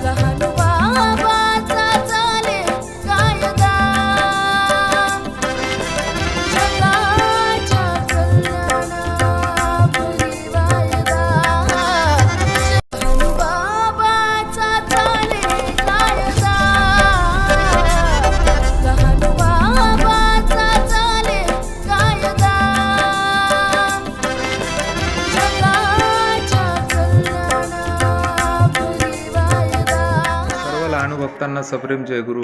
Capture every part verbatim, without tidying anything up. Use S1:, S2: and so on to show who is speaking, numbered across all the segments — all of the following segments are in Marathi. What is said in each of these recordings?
S1: भक्तांना सप्रेम जय गुरु।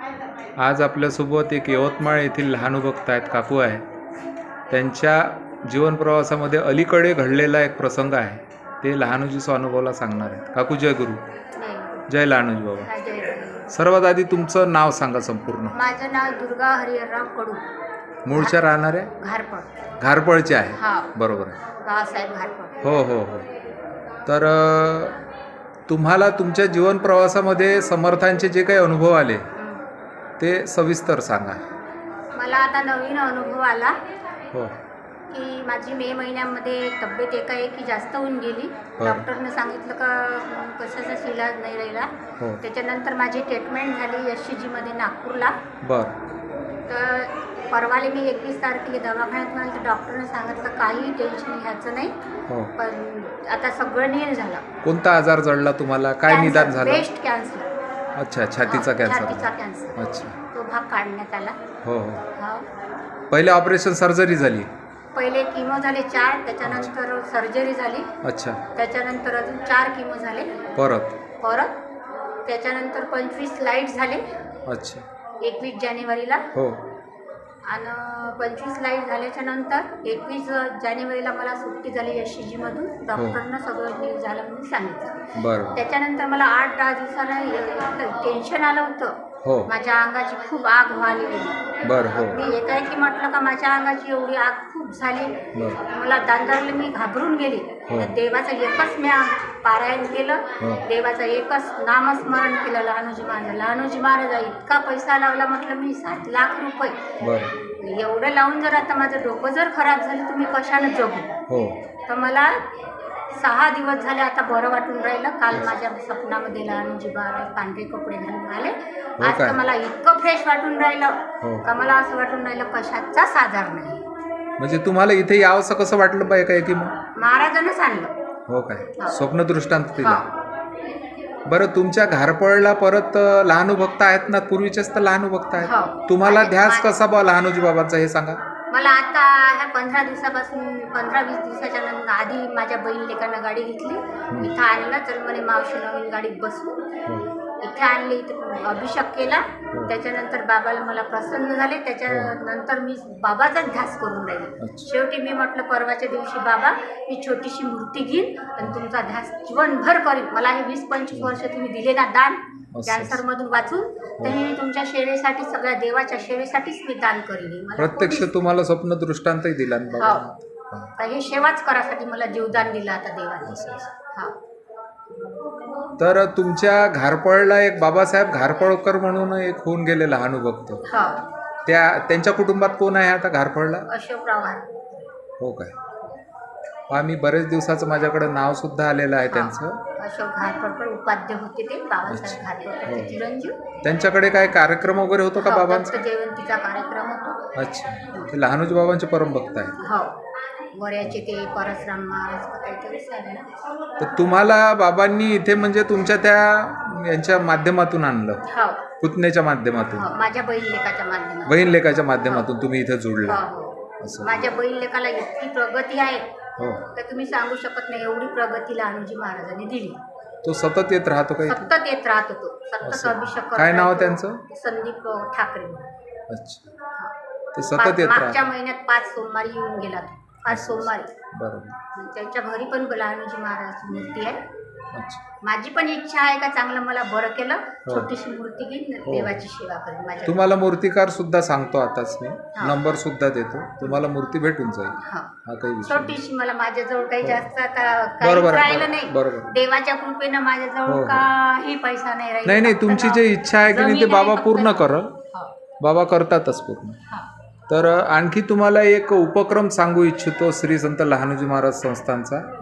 S1: आज आपल्यासोबत एक यवतमाळ येथील लहान भक्त आहेत, काकू आहे। त्यांच्या जीवन प्रवासामध्ये अलीकडे घडलेला एक प्रसंग आहे, ते लहानूजीचा अनुभवला सांगणार आहेत। काकू जय गुरु। जय लहानूजी बाबा। सर्वात आधी तुमचं नाव सांगा संपूर्ण।
S2: माझं नाव दुर्गा हरिहरराव कडू।
S1: मूळच्या राहणारे
S2: घारपळ
S1: घारपळचे आहे, बरोबर आहे,
S2: बाळासाहेब घारपळ।
S1: हो हो हो। तर तुम्हाला तुमच्या जीवन प्रवासामध्ये समर्थांचे जे काही अनुभव आले ते सविस्तर सांगा।
S2: मला आता नवीन अनुभव आला
S1: हो
S2: की माझी मे महिन्यामध्ये तब्येत एकाएकी जास्त होऊन गेली। डॉक्टरने सांगितलं का कशाचाच इलाज नाही राहिला। त्याच्यानंतर माझी ट्रीटमेंट झाली एस सी जीमध्ये नागपूरला।
S1: बरं।
S2: तर परवाले मी एकवीस तारखेला दवाखान्यात म्हणलं तर डॉक्टरने सांगितलं काही टेन्शन घ्यायचं नाही, पण आता सगळं नील झालं।
S1: कोणता आजार जडला तुम्हाला, काय निदान झालं?
S2: Breast cancer.
S1: अच्छा, छातीचा कॅन्सर।
S2: छातीचा कॅन्सर।
S1: अच्छा,
S2: तो भाग काढण्यात आला।
S1: हो हो। पहिले ऑपरेशन सर्जरी झाली?
S2: पहिले किमो झाले चार, त्याच्यानंतर सर्जरी झाली।
S1: अच्छा,
S2: त्याच्यानंतर अजून चार किमो झाले
S1: परत
S2: परत त्याच्यानंतर पंचवीस लाईट झाले।
S1: अच्छा,
S2: एकवीस जानेवारीला
S1: हो।
S2: आणि पंचवीस लाईट झाल्याच्या नंतर एकवीस जानेवारीला मला सुट्टी झाली एस सी जीमधून। डॉक्टरनं सगळं नीट झालं म्हणून सांगितलं।
S1: बरं।
S2: त्याच्यानंतर मला आठ दहा दिवसाला टेन्शन आलं होतं,
S1: हो,
S2: माझ्या अंगाची खूप आग व्हायला गेली।
S1: बरं, हो।
S2: मी एकाएकी म्हटलं का माझ्या अंगाची एवढी आग खूप झाली, मला दांदारला मी घाबरून गेली। देवाचं एकच मी पारायण केलं, देवाचं एकच नामस्मरण केलं, लहानूजी महाराज। लहानूजी महाराज इतका पैसा लावला, म्हटलं मी सात लाख रुपये एवढं लावून जर आता माझं डोकं जर खराब झालं तर मी कशानं जगू? तर मला सहा दिवस झाले आता बरं वाटून राहिलं। काल माझ्या स्वप्नामध्ये लहानूजी महाराज पांढरे कपडे घालून आले। आज तर मला इतकं फ्रेश वाटून राहिलं का मला असं वाटून राहिलं कशाचाच आजार नाही।
S1: म्हणजे तुम्हाला इथे यावंसं कसं वाटलं बाय काय की मग
S2: महाराजांनीच आणलं?
S1: हो काय, स्वप्न दृष्टांत दिला। बरं, तुमच्या घारपळला परत लहानू भक्त आहेत ना, पूर्वीचेच तर लहानू भक्त आहेत, तुम्हाला ध्यास कसा बा लहानूजी बाबांचा हे सांगा। मला
S2: आता ह्या पंधरा दिवसापासून पंधरा वीस दिवसाच्या नंतर आधी माझ्या बहीण लेकानं गाडी घेतली, इथं आणलं, तर म्हणे मावशी नवीन गाडीत बसू, इथे आणली, इथं अभिषेक केला। त्याच्यानंतर बाबाला मला प्रसन्न झाले, त्याच्यानंतर मी बाबाचाच ध्यास करून राहिले। शेवटी मी म्हटलं परवाच्या दिवशी बाबा मी छोटीशी मूर्ती घेईन आणि तुमचा ध्यास जीवनभर करीन। मला हे वीस पंचवीस वर्ष तुम्ही दिले ना दान कॅन्सर मधून वाचून, तर मी तुमच्या सेवेसाठी, सगळ्या देवाच्या सेवेसाठीच मी दान करीन।
S1: प्रत्यक्ष तुम्हाला स्वप्न दृष्टांतही दिला
S2: ना, हे सेवाच करासाठी मला जीवदान दिलं आता देवाने।
S1: तर तुमच्या घारपळला एक बाबासाहेब घारपळकर म्हणून एक होऊन गेले लहानू भक्त, त्या त्यांच्या कुटुंबात कोण आहे आता घारपळला?
S2: अशोकराव घारपळ। हो
S1: काय, आम्ही बरेच दिवसाचं माझ्याकडे नाव सुद्धा आलेलं आहे त्यांचं।
S2: अशोक घारपळकर उपाध्याय होते ते, बाबासाहेब घारपळकर चिरंजीव।
S1: त्यांच्याकडे काय कार्यक्रम वगैरे होतो का बाबांचा?
S2: जयंतीचा कार्यक्रम होतो।
S1: अच्छा, ते लहानूजी बाबांचे परमभक्त आहेत।
S2: हो, वऱ्याचे ते परशुराम महाराज काहीतरी आहे ना।
S1: तर तुम्हाला बाबांनी इथे म्हणजे तुमच्या त्या यांच्या माध्यमातून आणलं?
S2: हो,
S1: पुतण्याच्या माध्यमातून,
S2: माझ्या बहीण लेकाच्या माध्यमातून।
S1: बहीण लेकाच्या माध्यमातून तुम्ही इथे जोडला?
S2: माझ्या बहीण लेकाला इतकी प्रगती आहे तर तुम्ही सांगू शकत नाही, एवढी प्रगती लहानूजी महाराजांनी दिली।
S1: तो सतत येत राहतो का?
S2: सतत येत राहत होतो, सतत अभिषेक।
S1: काय नाव त्यांचं?
S2: संदीप ठाकरे।
S1: अच्छा, ते सतत येत राहत।
S2: मागच्या महिन्यात पाच सोमवारी येऊन गेला, पाच सोमवारी।
S1: बरोबर।
S2: त्यांच्या घरी पण लहानूजी महाराजांची मूर्ती आहे।
S1: अच्छा,
S2: माझी पण इच्छा आहे का चांगलं मला बरं केलं, छोटीशी मूर्ती घेईन, देवाची सेवा करेन माझ्या।
S1: तुम्हाला मूर्तिकार सुद्धा सांगतो आताच, मी नंबर सुद्धा देतो, तुम्हाला मूर्ती भेटून जाईल। हा काही विषय
S2: छोटीशी, मला माझ्याजवळ काही जास्त आता काही राहिलं नाही, देवाच्या कृपेनं माझ्याजवळ काही पैसा नाही राहिला।
S1: नाही नाही, तुमची जी इच्छा आहे की नाही ते बाबा पूर्ण करल, बाबा करतातच पूर्ण। तर आणखी तुम्हाला एक उपक्रम सांगू इच्छितो श्री संत लहानूजी महाराज संस्थांचा।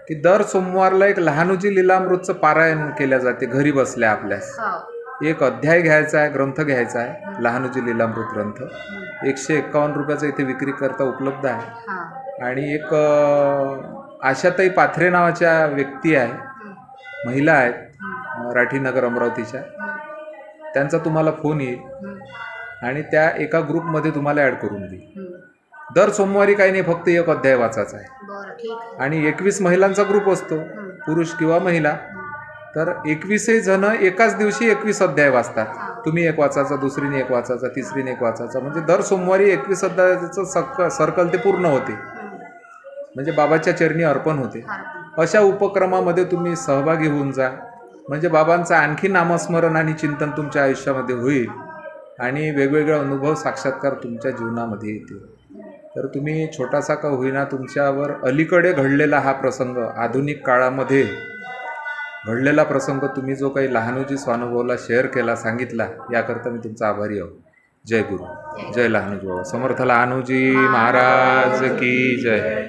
S1: की दर सोमवारला एक लहानुजी लीलामृतचं पारायण केल्या जाते घरी बसल्या आपल्यास.
S2: हो.
S1: एक अध्याय घ्यायचा आहे, ग्रंथ घ्यायचा आहे, लहानुजी लीलामृत ग्रंथ. एकशे एक्कावन्न रुपयाचा इथे विक्री करता उपलब्ध आहे.
S2: हा.
S1: आणि एक अ, आशाताई पाथरे नावाच्या व्यक्ती आहे, महिला आहेत, राठीनगर अमरावतीच्या. त्यांचा तुम्हाला फोन येईल आणि त्या एका ग्रुपमध्ये तुम्हाला ॲड करून देईल. दर सोमवारी काही नाही, फक्त एक अध्याय वाचायचा आहे.
S2: बरं, ठीक आहे.
S1: आणि एकवीस महिलांचा ग्रुप असतो, पुरुष किंवा महिला. तर एकवीसही जण एकाच दिवशी एकवीस अध्याय वाचतात. तुम्ही एक वाचायचा, दुसरीने एक वाचायचा, तिसरीने एक वाचायचा. म्हणजे दर सोमवारी एकवीस अध्यायाचं सक सर्कल ते पूर्ण होते, म्हणजे बाबाच्या चरणी अर्पण होते. अशा उपक्रमामध्ये तुम्ही सहभागी होऊन जा, म्हणजे बाबांचं आणखी नामस्मरण आणि चिंतन तुमच्या आयुष्यामध्ये होईल आणि वेगवेगळे अनुभव साक्षात्कार तुमच्या जीवनामध्ये येतील. तर तुम्ही छोटासा का होईना तुमच्यावर अलीकडे घडलेला हा प्रसंग, आधुनिक काळामध्ये घडलेला प्रसंग तुम्ही जो काही लहानुजी स्वानुभवला शेअर केला, सांगितला, याकरता मी तुमचा आभारी आहो. जय गुरु, जय लहानुजी बाबा. समर्थ लहानुजी महाराज की जय.